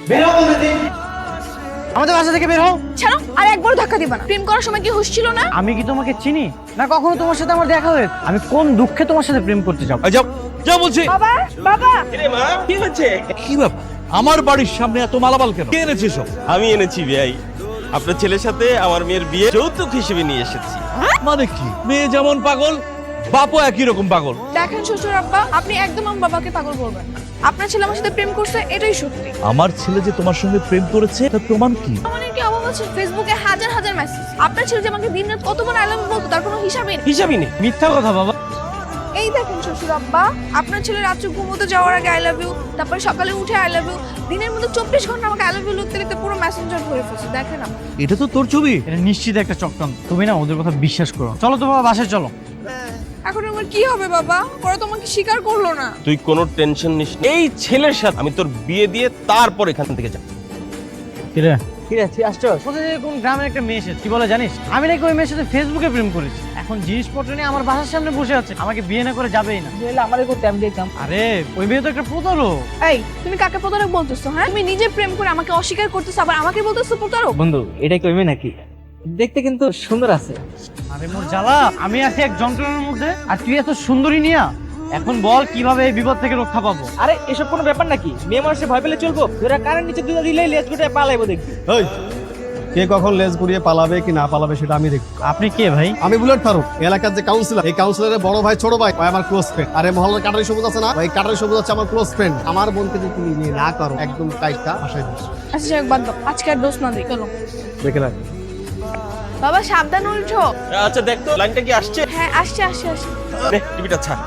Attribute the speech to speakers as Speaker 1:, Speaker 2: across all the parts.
Speaker 1: বের হও বলতে। আমাদের বাসা থেকে বের হও।
Speaker 2: ছাড়ো, আর একবার ধাক্কা দিবা না। প্রেম করার সময় কি হুঁশ ছিল না?
Speaker 1: আমি কি তোমাকে চিনি না? কখনো তোমার সাথে আমার দেখা হয়েছে? আমি কোন দুঃখে তোমার সাথে প্রেম করতে যাব?
Speaker 3: যাও যাও বলছি।
Speaker 2: বাবা, বাবা,
Speaker 3: কি ব্যাপার, আমার বাড়ির সামনে এত মালামাল কেন? কে এনেছে সব?
Speaker 4: আমি এনেছি ভাই, আপনার ছেলের সাথে আমার মেয়ের বিয়ে যৌতুক হিসেবে নিয়ে এসেছি।
Speaker 3: মানে কি, মেয়ে যেমন পাগল বাপও একই রকম পাগল।
Speaker 2: দেখেন শ্বশুর আব্বা, আপনি একদম আমার বাবাকে পাগল বলবেন না। আপনার ছেলে আমার সাথে প্রেম করছে, এটাই সত্যি।
Speaker 3: আমার ছেলে যে তোমার সঙ্গে প্রেম করেছে তার প্রমাণ কি?
Speaker 2: আমাদের কি অভাব আছে? ফেসবুকে হাজার হাজার মেসেজ। আপনার ছেলে যে আমাকে দিনরাত কতবার আই লাভ ইউ বলতো, তার কোনো হিসাবই নেই।
Speaker 4: হিসাবই নেই।
Speaker 1: মিথ্যা কথা বাবা।
Speaker 2: এই দেখেন শ্বশুর আব্বা, আপনার ছেলে রাত্রে ঘুমোতে যাওয়ার আগে আই লাভ ইউ, তারপরে সকালে উঠে আই লাভ ইউ, দিনের মধ্যে 24 ঘন্টা আমাকে আই লাভ ইউ লিখতে লিখতে পুরো মেসেঞ্জার ভরে ফেলছে। দেখেন আপনি।
Speaker 3: এটা তো তোর ছবি।
Speaker 1: এটা নিশ্চিত একটা চক্রান্ত। তুমি না ওদের কথা বিশ্বাস করো। চলো তো বাবা, বাসায় চলো।
Speaker 2: এখন আমার কি হবে বাবা? ওরা তো আমাকে স্বীকার করলো না।
Speaker 4: তুই কোনো টেনশন নিস না। এই ছেলের সাথে আমি তোর বিয়ে দিয়ে তারপর এখান থেকে যাব।
Speaker 1: কিরে
Speaker 5: কিরে তুই আসছস?
Speaker 1: কোথা থেকে কোন গ্রামের একটা মেয়ে এসেছে, কি বলে জানিস? আমি নাকি ওই মেয়ের সাথে ফেসবুকে প্রেম করেছি। এখন জিনিসপত্র নিয়ে আমার বাসার সামনে বসে আছে, আমাকে বিয়ে না করে যাবেই না।
Speaker 5: তাহলে আমারে করতে আমি দেখতাম।
Speaker 1: আরে ওই মেয়ে তো একটা প্রতারক।
Speaker 2: এই, তুমি কাকে প্রতারক বলতেছো? হ্যাঁ, তুমি নিজে প্রেম করে আমাকে অস্বীকার করতেছো, আবার আমাকে বলতেছো প্রতারক।
Speaker 5: বন্ধু এটা কি মেয়ে নাকি? দেখতে কিন্তু সুন্দর আছে।
Speaker 1: আরে মোর জ্বালা, আমি আছি এক যন্ত্রণার মধ্যে আর তুই এত সুন্দরী নিয়া। এখন বল কিভাবে এই বিপদ থেকে রক্ষা পাবো?
Speaker 5: আরে এসব কোনো ব্যাপার নাকি? মেয়ে মানুষে ভয় পেলে চলবো? তোরা কারেন্ট নিচে দুধ দিলেই লেজ গুটে পালাইবো দেখবি।
Speaker 6: এই, কে কখন লেজ গুড়িয়ে পালাবে কি না পালাবে সেটা আমি দেখব।
Speaker 1: আপনি কে ভাই?
Speaker 6: আমি বুলেট ফারুক, এলাকার যে কাউন্সিলর। এই কাউন্সিলরের বড় ভাই ছোট ভাই ওই আমার ক্লোজ ফ্রেন্ড। আরে মহল্লার কাটারি সবুজ আছে না, ওই কাটারি সবুজ হচ্ছে আমার ক্লোজ ফ্রেন্ড। আমার বোনকে যদি তুমি নিয়ে না করো একদম টাইটটা আশায় দিস।
Speaker 2: আচ্ছা যাক, বাদ দাও, আজকে আর দোষ না দিই। চলো
Speaker 6: দেখে রাখ।
Speaker 2: বাবা, সাবধানে উঠো।
Speaker 4: আচ্ছা দেখ তো লাইনটা কি আসছে।
Speaker 2: হ্যাঁ, আসছে আসছে আসছে।
Speaker 4: নে, টিভিটা ছাড়।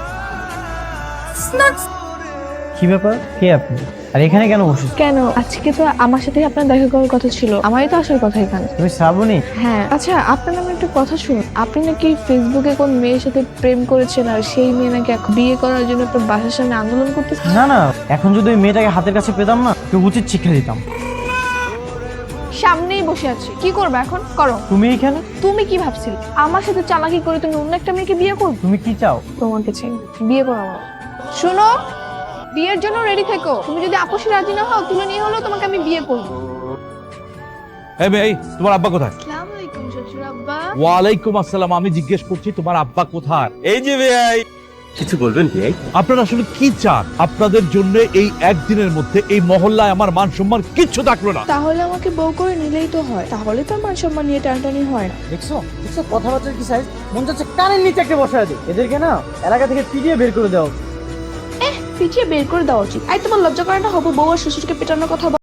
Speaker 1: কি ব্যাপার, কে আপনি আর এখানে কেন বসেছো?
Speaker 2: কেন, আজকে তো আমার সাথে আপনার দেখা করার কথা ছিল। আমারই তো আসার কথা এখানে।
Speaker 1: তুমি শ্রাবণী?
Speaker 2: হ্যাঁ। আচ্ছা, আপনার নামে একটা কথা শুনুন। আপনি নাকি ফেসবুকে কোন মেয়ের সাথে প্রেম করেছেন, আর সেই মেয়ে নাকি এখন বিয়ে করার জন্য আপনার বাসার সামনে আন্দোলন করতেছে।
Speaker 1: না না, এখন যদি ওই মেয়েটাকে হাতের কাছে পেতাম না, তো উচিত শিক্ষা দিতাম।
Speaker 2: সামনেই বসে আছে, কি করবে এখন? করো।
Speaker 1: তুমি এখানে?
Speaker 2: তুমি কি ভাবছিলে আমার সাথে চালাকি করে তুমি অন্য একটা মেয়েকে বিয়ে করবে?
Speaker 1: তুমি কি চাও?
Speaker 2: তোমাকে চাই, বিয়ে করো আমার। শুনো, বিয়ের জন্য রেডি থেকো। তুমি যদি আপোষে রাজি না হও, তুলে নিয়ে হলেও তোমাকে আমি বিয়ে করবো।
Speaker 3: এই মেয়ে, এই, তোমার আব্বা কোথায়?
Speaker 2: আসসালামু আলাইকুম শ্বশুর আব্বা।
Speaker 3: ওয়ালাইকুম আসসালাম। আমি জিজ্ঞেস করছি তোমার আব্বা কোথায়?
Speaker 4: এই যে ভাই, কিছু বলবেন ভাই?
Speaker 3: আপনারা আসলে কি চান? আপনাদের জন্য এই একদিনের মধ্যে এই মহল্লায় আমার মান সম্মান কিচ্ছু থাকলো না।
Speaker 2: তাহলে আমাকে বউ করে নিলেই তো হয়, তাহলে তো মান সম্মান নিয়ে টানটানি হয় না।
Speaker 1: দেখছো দেখছো কথাবার্তার কি সাইজ? মন চাচ্ছে কানের নিচে একটা বসে আছে। এদেরকে না এলাকা থেকে পিটিয়ে বের করে দেওয়া উচিত।
Speaker 2: পিছিয়ে বের করে দেওয়া উচিত। তোমার লজ্জা করে না? হবু বউ আর শ্বশুরকে পেটানোর কথা